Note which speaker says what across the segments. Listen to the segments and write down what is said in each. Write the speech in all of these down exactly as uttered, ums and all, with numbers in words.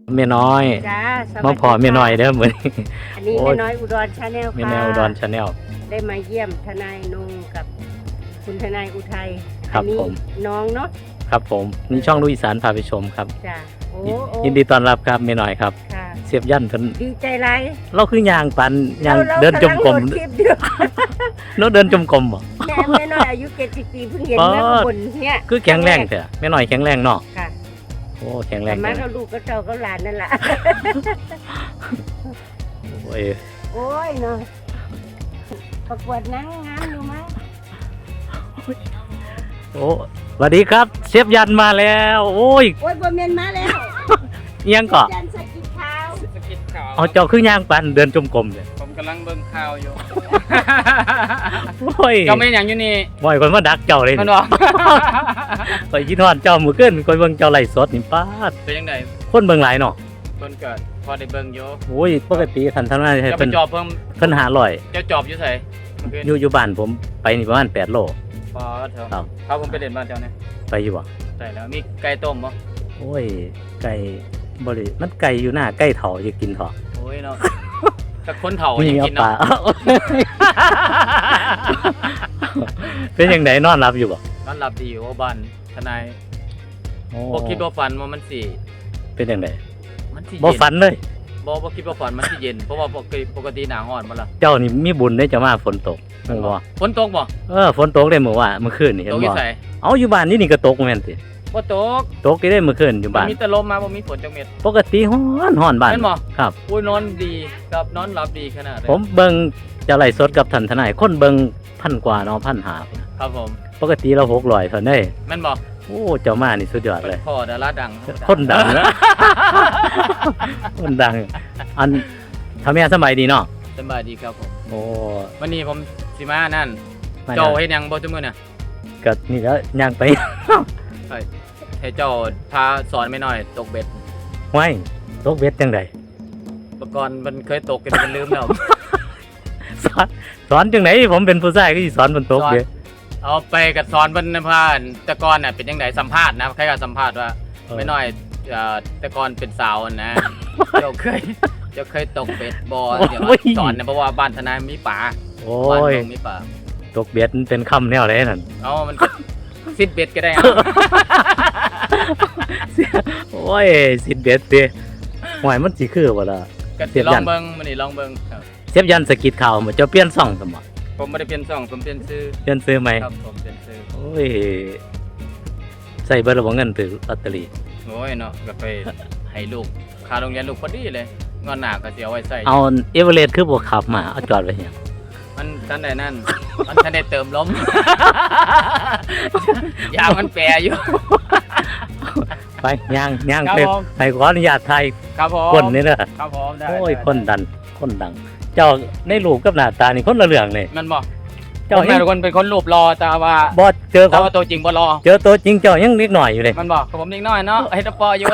Speaker 1: แม่น้อย
Speaker 2: จ้า
Speaker 1: มาพอแม่น้อยเด้อเหมือน
Speaker 2: อันนี้แม่น้อยอุดรชาแนลค่ะ
Speaker 1: แม่น้อยอุดรชาแนล
Speaker 2: ได้มาเยี่ยมทนายนงกับคุณทนายอุทัย
Speaker 1: ครับผม
Speaker 2: น้องเนาะ
Speaker 1: ครับผมนี่ช่องลูกอีสานพาไปชมครับ
Speaker 2: จ้าโอ้
Speaker 1: ยินดีต้อนรับครับแม่น้อยครับเสียบยันเพิ่น
Speaker 2: ดีใจไร
Speaker 1: เราคือยางปันยางเดินจมกลมเนาะเดินจมกลมบ่
Speaker 2: แม่แม่น้อยอายุเจ็ดสิบปีเพิ่งเห็นแม่คนเนี่ย
Speaker 1: คือแข็งแรงเถอะแม่น้อยแข็งแรงเนาะ
Speaker 2: ค่ะ
Speaker 1: โอ้แข็งแรง
Speaker 2: มาเขาลูกก็เจ้าก็หลานนั่นแหละ
Speaker 1: โอ้ย
Speaker 2: โอ้ยเนาะประกวดนางงามอยู่มั้ย
Speaker 1: โอ้สวัสดีครับเชฟยันมาแล้วโอ้ย
Speaker 2: โอ้ยบ่แม่นมาแล้ว
Speaker 1: ยังก่อ
Speaker 2: ยันสกิดข่าว
Speaker 3: สกิดข่าว
Speaker 1: เอาเจ้าคือย่างปันเดินจมกลมเลย
Speaker 3: ผมกำลังเบิ่งข่าวอยู่
Speaker 1: โอ้ย
Speaker 3: เจ้าไม่อย่างอยู่นี่
Speaker 1: บ่อยคนมาดักเจ้าเลย
Speaker 3: มันบอก
Speaker 1: ไปคิดฮอดเจ้ามื้อคืนคอยเบิ่งเจ้าไล่สดนี่ป๊าด
Speaker 3: เป็นจังได๋
Speaker 1: คนเบิ่งหลายเนาะ
Speaker 3: คนเกิดพอได้เบิ่งอยู่
Speaker 1: โอ้ยปกติคันทำงานให้
Speaker 3: เพิ่นจอบเพิ่ม
Speaker 1: เพิ่นห้าร้อย
Speaker 3: เจ้าจอบอยู่ไส
Speaker 1: อยู่อยู่บ้านผมไปนี่ประมาณแปดโล
Speaker 3: พอเถอะเขาผมไปเล่นบ้านเจ้าเนี่ย
Speaker 1: ไปอยู่บ่
Speaker 3: ใช่แล้วมีไก่ต้มบ่
Speaker 1: โอ้ยไก่บ่ได้มันไก่อยู่หน้าไก่เฒ่าจะกินเถาะ
Speaker 3: โอ้ยเนาะแต่คนเฒ่ายังกินเนาะ
Speaker 1: เป็นจังไดนอนหลับอยู่บ่
Speaker 3: นอนหลับดีอยู่บ้านทนายบ่คิดบ่ฝันว่ามันสิ
Speaker 1: เป็นจังได
Speaker 3: มันสิ
Speaker 1: บ่ฝันเลย
Speaker 3: บ่บ่คิดบ่ฝันมันสิเย็นเพราะว่าปกติปกติหน้าร้อนบ่ล่ะ
Speaker 1: เจ้านี่มีบุญได้จะมาฝนตกแม่นบ่
Speaker 3: ฝนตกบ่
Speaker 1: เออฝนตกได้เมื่อวานเมื่อคืนนี่เห็นบ่เอาอยู่บ้านนี่นี่ก็ตกแม่นติ
Speaker 3: บ่ตก
Speaker 1: ตกได้เมื่อคืนอยู่บ้าน
Speaker 3: มีแต่ลมมาบ่มีฝนจักเม็ด
Speaker 1: ปกติร้อนร้อนบ้าน
Speaker 3: แม่นบ่
Speaker 1: ครับ
Speaker 3: อุ้ยนอนดีกับนอนหลับดีขนาดเลย
Speaker 1: ผมเบิ่งจะไล่สดกับท่านทนายคนเบิ่งพันกว่าเนาะพันห้า
Speaker 3: ครับผม
Speaker 1: ปกติเราหกร้อยเท่านั้น
Speaker 3: แม่นบ่
Speaker 1: โอ้เจ้ามานี่สุดยอดเลย
Speaker 3: พ่อดาราดัง
Speaker 1: คนดังนะคนดังอันทำแม่สบายดีเนาะ
Speaker 3: สบายดีครับผม
Speaker 1: โอ้
Speaker 3: วันนี้ผมสิมานั่นเจ้าเฮ็ดหยังบ่ซุมื้อน่ะ
Speaker 1: ก็นี่แล้วย่างไป
Speaker 3: ให้เจ้าพาสอนไม่น้อยตกเบ็ด
Speaker 1: ห้วยตกเบ็ดจังได๋
Speaker 3: เมื่อก่อนมันเคยตกกันมันลืมแล้ว
Speaker 1: สอนสอนจังได๋ผมเป็นผู้ชายก็สิสอนเพิ่นตกเด้
Speaker 3: เอาไปกับสอนเพิ่นผ่านแต่ก่อนน่ะเป็นจังได๋สัมภาษณ์นะใครก็สัมภาษณ์ว่าไม่น้อยเอ่อแต่ก่อนเป็นสาวนะเจ้าเคยเจ้าเคยตกเบ็ดบ่เดี๋ยวสอนนะเพราะว่าบ้านทนายมีป่า
Speaker 1: โอ้ย
Speaker 3: มีป่า
Speaker 1: ตกเบ็ดเป็นคำแนวไหนนั่น
Speaker 3: เอ้ามันซิดเบ็ดก็ได้
Speaker 1: โอ้ยซิดเบ็ดติห่วยมันสิคือบ่ล่ะ
Speaker 3: ก็สิลองเบิ่งมื้อนี้ลองเบิ่งครับ
Speaker 1: เชฟยันสกิดข่าวบ่เจ้าเปลี่ยนช่องซั่นบ่
Speaker 3: ผมบ่ได้เปลี่ยนช่องผมเปลี่ยนชื่อ
Speaker 1: เปลี่ยนชื่อใหม่
Speaker 3: ครับผมเปลี่ยนชื่อ
Speaker 1: โอ้ยใส่เบิดแล้วบ่เงินถือลอตเตอรี่
Speaker 3: โอ้ยเนาะก็ไปให้ลูกค่าโรงเรียนลูกพอดีเลยงอนหน้าก็สิเอาไว้ใส่
Speaker 1: เอาเอเวอเรสต์คือบ่ขับมาเอาจอดไว้หยัง
Speaker 3: มันทันได้นั่นมันทันได้เติมลมยางมันแปรอยู่
Speaker 1: ไปย่างย่างไปให้ขออนุญาตถ่าย
Speaker 3: ครับผม
Speaker 1: คนนี่เด้อ
Speaker 3: ครับผมได้
Speaker 1: โอ้ยคนดันคนดังเจ้าในรูปกับหน้าตานี่คนละเรื่องเลย
Speaker 3: มันบ่เจ้าแม่ทุกคนเป็นคนรูปรอแต่ว่า
Speaker 1: บ่เจอเขา
Speaker 3: ตัวจริงบ่รอ
Speaker 1: เจอตัวจริงเจ้ายังเล็กหน่อยอยู่เลย
Speaker 3: มันบ่ผมเล็กน้อยเนาะเฮ็ดปออยู่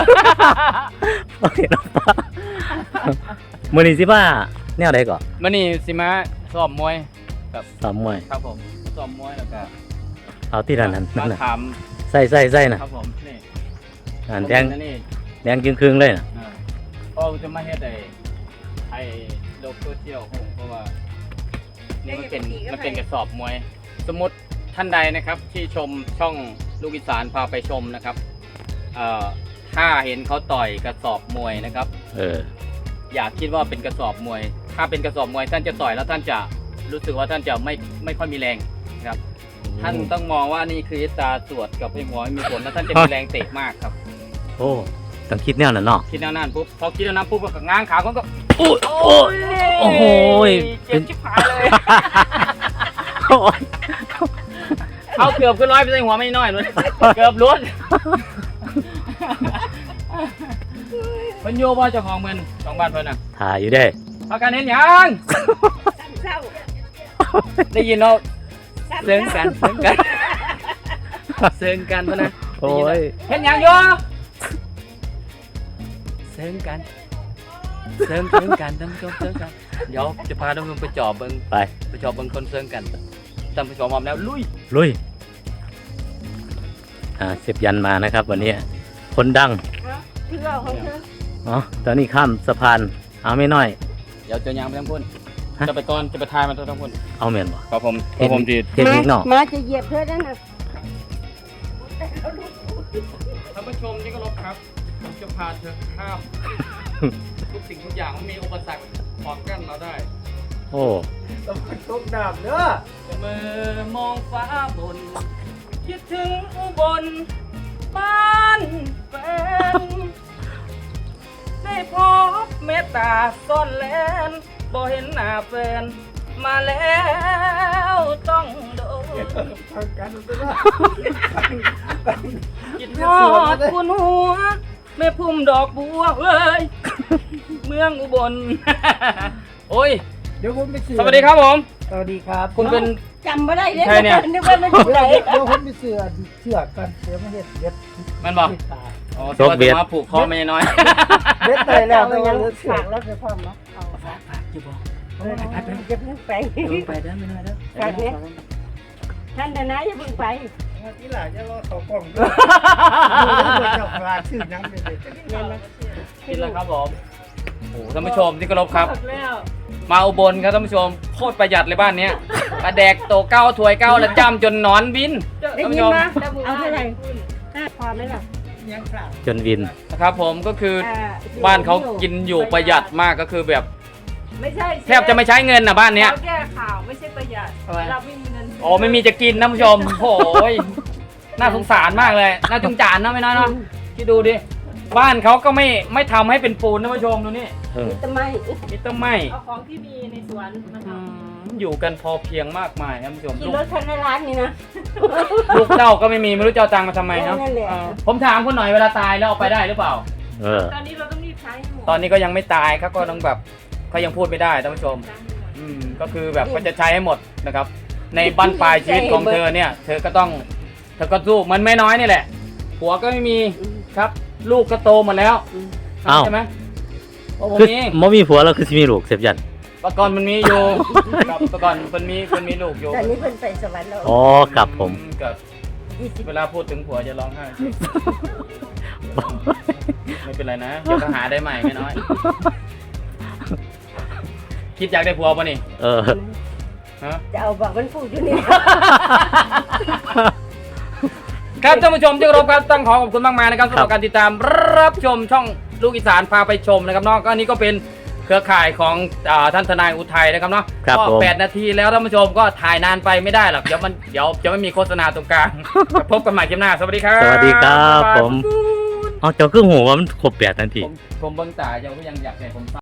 Speaker 1: มื้อนี้สิมาแนวใดก่อน
Speaker 3: มื้อนี้สิมาซ้อมมวยครับ
Speaker 1: ซ้อมมวย
Speaker 3: ครับผมซ้อมมวยแล้วก็
Speaker 1: เอาที่ด้านนั้นนั่นน่ะใส่ๆๆน่ะ
Speaker 3: ครับผมนี่
Speaker 1: อันแดงแดงครึ่งๆเลยน่ะ
Speaker 3: เออจะมาเฮ็ดไอ้ไอ้โลกโซเชียลของเพราะว่านี่มันเป็นมันเป็นกระสอบมวยสมมุติท่านใดนะครับที่ชมช่องลูกอีสานพาไปชมนะครับเอ่อถ้าเห็นเขาต่อยกระสอบมวยนะครับ
Speaker 1: เออ
Speaker 3: อย่าคิดว่าเป็นกระสอบมวยถ้าเป็นกระสอบมวยท่านจะต่อยแล้วท่านจะรู้สึกว่าท่านจะไม่ไม่ค่อยมีแรงครับท่านต้องมองว่านี่คือตาสวดกับไอ้หัวมีผลแล้วท่านจะมีแรงเตะมากครับ
Speaker 1: โอ้ต้องคิดแนวนั้นเนาะ
Speaker 3: คิดแนวนั้นปุ๊บพอคิดแนวนั้นปุ๊บก็ง้างขาเขาก็
Speaker 1: โอ้โอ้โอ้โห
Speaker 3: เจ็บชิบหายเลยเอาเกือบขึ้นร้อยไปใส่หัวไม่น้อยเลยเกือบล้วนมันโยบ่เจ้าของเมืองของบ้านเพิ่นน่ะ
Speaker 1: ถ่ายอยู่เด้
Speaker 3: พากันเห็นยังได้ยินเนาะเซิงกันเซิงกันเซิงกันเพิ่นน่ะ
Speaker 1: โอ้ย
Speaker 3: เห็นยังอยู่เซิงกันเซิงเซิงกันท่านผู้ชมเซิงกันเดี๋ยวจะพาท่านผู้ชมไปจอบเบิ่ง
Speaker 1: ไป
Speaker 3: ไปจอบเบิ่งคนเซิงกันท่านผู้ชมพร้อมแล้วลุย
Speaker 1: ลุยอ่าเชฟยันมานะครับวันนี้คนดังอ๋อตอนนี้ข้ามสะพานเอาไม่น้อย
Speaker 3: เดี๋ยวจะยางไปทั้งพุ่น
Speaker 1: ฮะ
Speaker 3: จะไปก่อนจะไปทายมันทั้งพุ่น
Speaker 1: เอาแม่นบ่
Speaker 3: ครับผมครับผมจี
Speaker 1: เทคนิคเนาะ
Speaker 2: มาจะเหยียบเธอได้นะ
Speaker 3: ท่านผู้ชมที่เคารพครับผมจะพาเธอข้ามทุกสิ่งทุกอย่างมันมีอุปสรรคขวางกั้นเราได้
Speaker 1: โอ้
Speaker 4: ต้องตกน้ำเด้อ
Speaker 3: เมื่อมองฟ้าบน คิดถึงอุบลบ้านแฟนได้พบเมตตาซ่อนแลนบ่เห็นหน้าแฟน มาแล้วต้องโดน
Speaker 4: ทางกันเด้อ
Speaker 3: คิดทอดคุณหัวแม่พุ่มดอกบัวเอ้ย เมืองอุบล โอ้ย
Speaker 4: เดี๋ยวผมไปเสือ
Speaker 3: สวัสดีครับผม
Speaker 4: สวัสดีครับ
Speaker 3: คุณเป็น
Speaker 2: จำไม่ได้เลย
Speaker 3: ใครเนี่ย
Speaker 2: นึกว่าไม่ถูก
Speaker 4: เดี๋
Speaker 2: ไหน
Speaker 4: ยวเดี๋ยวผมไปเสือเสือกันเดี๋ยวมาเห็ดเด็ด
Speaker 3: มันบอก
Speaker 4: ติดตา
Speaker 3: อ๋อตัวจะมาผูกคอไม่น้อย
Speaker 4: เด็ดไปแล้ว
Speaker 2: เอา
Speaker 4: แต่
Speaker 2: ยั
Speaker 4: ว่าง เหลือเสือ
Speaker 2: ฝากแล้วจะพร้อมเนาะเอาฝาก
Speaker 3: ฝากอยู่บอก
Speaker 2: อย่าเพิ่งไป
Speaker 3: ไปเด้อไม่น้อยเด้อ
Speaker 2: ฝากเนี่ยท่านนะนะอย่าเพิ่งไป
Speaker 4: ที่หลังจะรอเขากล้องด้วยเจ้าปลาชื่อยังไม่ได้
Speaker 2: เงินนะ
Speaker 3: กินแล้วครับผมโอ้ท่านผู้ชมที่เคารพครับ
Speaker 2: แล้ว
Speaker 3: มาอุบลครับท่านผู้ชมโคตรประหยัดเลยบ้านเนี้ยกระแดกโตเก้าถวยเก้าแล้วจ้ำจนหนอนบิน
Speaker 2: ได้
Speaker 3: ท่าน
Speaker 2: ยิ
Speaker 3: ผู้
Speaker 2: น
Speaker 3: ชม
Speaker 2: มาเอาเท่าไหร่ห้าพอไหมล่ะ
Speaker 4: ยังสาว
Speaker 1: จนวิน
Speaker 3: นะครับผมก็คือ
Speaker 2: อ่
Speaker 3: บ้านเขากินอยู่ประหยัดมากก็คือแบบ
Speaker 5: ไม่ใช่
Speaker 3: แทบจะไม่ใช้เงินนะบ้านเนี้ย
Speaker 5: เราแก้ข่าวไม่ใช่ประหยัด
Speaker 3: ทำไม
Speaker 5: เราไม่มีเงิน
Speaker 3: โอ้ไม่มีจะกินนะผู้ชมโอ้ยน่าสงสารมากเลยน่าจงจานนะไม่น้อยเนาะคิดดูดิบ้านเขาก็ไม่ไม่ทำให้เป็นปูนนะผู้ชมดูนี่
Speaker 1: เออ
Speaker 2: ทำไม
Speaker 3: มิเตอร์ไม่
Speaker 5: เอาของที่มีในสวนมาท
Speaker 3: อืมอยู่กันพอเพียงมากมายนะผู้ชม
Speaker 2: กิน
Speaker 3: ลู
Speaker 2: ร
Speaker 3: ก
Speaker 2: ถคันในร้านนี่นะ
Speaker 3: ลูกเต้าก็ไม่มีไม่รู้จะเอาตังค์มาทำไมเนาะ
Speaker 2: นั่นแหละ
Speaker 3: เออผมถามคุณหน่อยเวลาตายแล้วเอาไปได้หรือเปล่า
Speaker 1: เออ
Speaker 5: ำตอนนี้เราต้องรีบใช้ให้หมด
Speaker 3: ตอนนี้ก็ยังไม่ตายเขาก็ต้องแบบเขายังพูดไม่ได้ท่านผู้ชม อืมก็คือแบบก็จะใช้ให้หมดนะครับ ในบั้นปลายชีวิตของเธอเนี่ย เธอก็ต้องเธอก็สู้มันไม่น้อยนี่แหละผัวก็ไม่มีครับ ลูกก็โตหมดแล้ว
Speaker 1: เอ้า
Speaker 3: ใช่ไหมโอ้ผม
Speaker 1: คือ
Speaker 3: มี
Speaker 1: บ่มีผัวแล้วคือสิมีลูกเสียบยัน
Speaker 3: ปก่อนมันมีอยู่ครับปก่อนมันมีมันมีลูกอยู่
Speaker 2: แต่นี้เพิ่นไปสวรรค์แล้ว
Speaker 1: อ๋อครับผม
Speaker 3: อืก็
Speaker 2: ยี่สิบ
Speaker 3: เวลาพูดถึงผัวจะร้องไห้ ไม่เป็นไรนะเดี๋ยวก็หาได้ใหม่ไม่น้อย คิดอยากได้ผัวป่ะนี่
Speaker 1: เออ
Speaker 3: ฮะ
Speaker 2: จะเอาบอกมันพูดอยู่นี่
Speaker 3: ครับท่านผู้ชมที่เคารพครับต้องขอขอบคุณมากมายนะครับสำหรับการติดตามรับชมช่องลูกอีสานพาไปชมนะครับเนาะก็อันนี้ก็เป็นเครือข่ายของอ่าท่านทนายอุทัยนะครับเนาะ
Speaker 1: ครับ
Speaker 3: ก็
Speaker 1: ผม
Speaker 3: แปดนาทีแล้วท่านผู้ชมก็ถ่ายนานไปไม่ได้หรอกเดี๋ยวมันเดี๋ยวจะไม่มีโฆษณาตรงกลาง พบกันใหม่คลิปหน้าสวัสดีครับ
Speaker 1: สวัสดีครับผม เอาเจ้าคือหูว่ามันครบแปดนาที
Speaker 3: ผมผมเบิ่งตาเจ้าก็ยังอยากให้ผม